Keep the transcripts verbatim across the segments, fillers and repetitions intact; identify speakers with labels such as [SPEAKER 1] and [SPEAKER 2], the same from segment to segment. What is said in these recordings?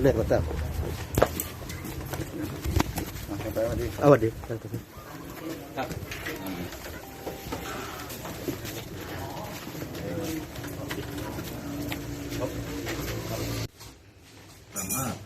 [SPEAKER 1] เรียกมาตั้ง
[SPEAKER 2] ไปวันดี
[SPEAKER 1] เอาวันดี
[SPEAKER 2] ครับสามารถ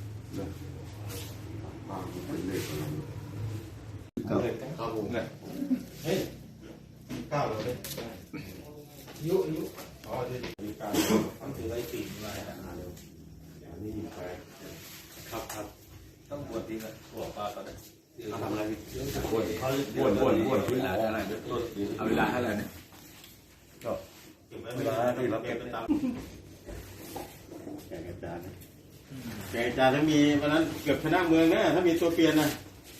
[SPEAKER 2] เก้าเก้าผมเนี่ยเฮ้ยเก้าเลยยุยุอ๋อจะมีการทำถือไว้ปีนอะไรอ่ะอันนี้มีใครครับครับต้องบวชดีนะบวชปลาตอนนี้ทำอะไรบวชเขาบวชบวชบวชเวลาอะไรเอาเวลาเท่าไหร่เนี่ยก็เวลาที่เราเก็บตามแกอาจารย์แกอาจารย์ถ้ามีวันนั้นเกือบชนะเมืองนะถ้ามีตัวเปลี่ยนนะ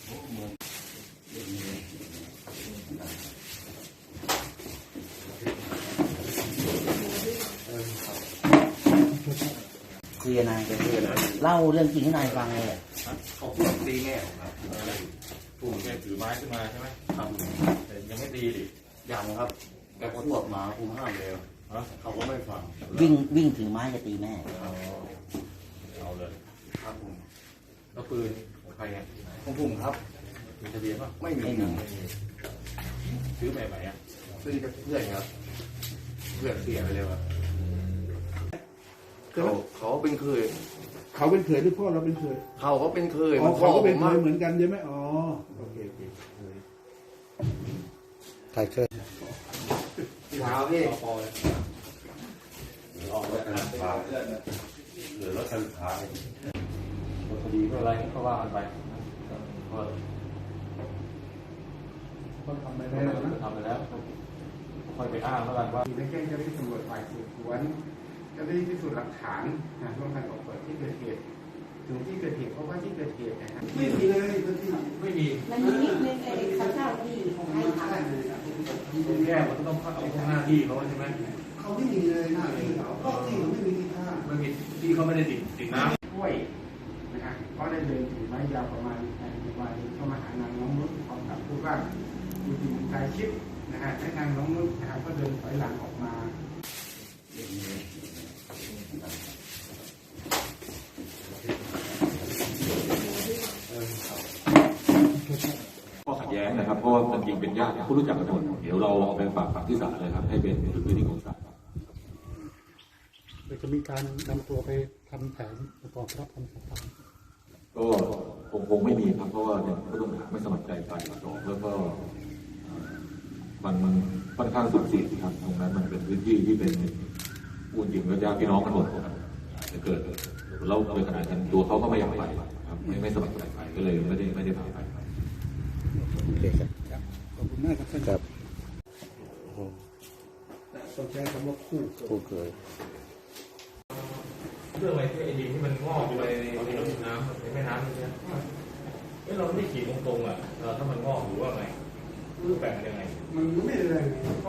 [SPEAKER 3] คุยกับนายเล่าเรื่องจริงให้นายฟังเลย
[SPEAKER 2] เขาพูดตีแง่ของเราผู้แค่ถือไม้ขึ้นมาใช่ไหมครับแต่ยังไม่ตีดิยังครับแต่พอตรวจมาภูมิห้ามเลยเขาก็ไม่ฟัง
[SPEAKER 3] วิ่งวิ่งถือไม้จะตีแม่
[SPEAKER 2] เอาเลยครับผมแล้วปืนของใครอ่ะของผมครับมีทะเบียนป่ะไม่มีซื้อใหม่ๆอ่ะซื้อกับเพื่อนครับเพื่อนเสียไปเลยว่ะเขาเขาเป็นเคย
[SPEAKER 4] เขาเป็นเคยหรือพ่อเราเป็นเคย
[SPEAKER 2] เขาก็เป็นเคย
[SPEAKER 4] อ๋อเขาก็เป็นเคยเหมือนกันใช่ไหมอ๋อโอเคโอเค
[SPEAKER 1] ใครเคย
[SPEAKER 2] ว้าวพี่ออกรถคันท้ายเหลือรถคันท้ายคดีเมื่อไรก็ว่ากันไปก็ทำไปแล้วทำไปแล้วค่อยไปอ้างแล้วกันว่า
[SPEAKER 4] ได้แจ้งเจ้าหน้าที่ตำรวจฝ่ายสืบสวนเจ้าหน้าที่พิสูจน์หลักฐานนะร่วมกันออกเปิดที่เกิดเหตุถึงที่เกิดเหตุเพราะว่าที่เกิดเหตุนะฮะไม่มีเลย
[SPEAKER 2] ไม่มี
[SPEAKER 5] มันมีนิดนึงไอ้ข้าวเจ้าที่ของให้ทำ
[SPEAKER 2] แก้มันต้องเอาของหน้าที่เขาใช่ไหม
[SPEAKER 4] เขาไม่มีเลยหน้าที่เขาก็ที่เขาไม่มีที่ท่า
[SPEAKER 2] ไม่มีที่เขาไม่ได้ติดติดน้ำ
[SPEAKER 4] ช่วยนะฮะเพราะได้เดินถือไม้ยาวประมาณวันเข้ามาหานางน้องนุชพร้อมกับผู้ว่าอยู่ที่มุมกายชิดนะฮะและนางน้องนุชนะครับก็เดินถอยหลังออกมา
[SPEAKER 6] ข้อขัดแย้งนะครับเพราะว่ามันจริงเป็นญาติผู้รู้จักกันหมดเดี๋ยวเราเอาไปฝากฝังที่ศาลเลยครับให้เป็นพื้นที่ของศาล
[SPEAKER 7] จะมีการนำตัวไปทำแผนประกอบรับคำสั่ง
[SPEAKER 6] ก็คงคงไม่มีครับเพราะว่าเนี่ยผู้ต้องหาไม่สมัครใจไปสองแล้วก็มันมันค่อนข้างสุดสิทธิ์ครับตรงนั้นมันเป็นพื้นที่ที่เป็นพูดจริงก็ญาติพี่น้องกันหมดจะเกิดเราโดยขนาดนั้นตัวเขาก็ไม่อยากไปครับไม่ไม่สมัครใจไปก็เลยไม่ได้ไม่ได้พาไป
[SPEAKER 1] โอเคครับ
[SPEAKER 4] ขอบคุณมากครับท่าน
[SPEAKER 1] ครับ
[SPEAKER 4] ต้องใช้คำว่าคู่
[SPEAKER 1] คู่เคย
[SPEAKER 2] เรื่องอะไรที่ไอ้ดินที่มันงอกไปในน้ำในแม่น้ำนี่ใช่ไหมเอ้เราไม่ได้ขีดตรงๆอ่ะถ้ามันงอกหรือว่าไงรูปแบบมันยังไง
[SPEAKER 4] มันไม่เลย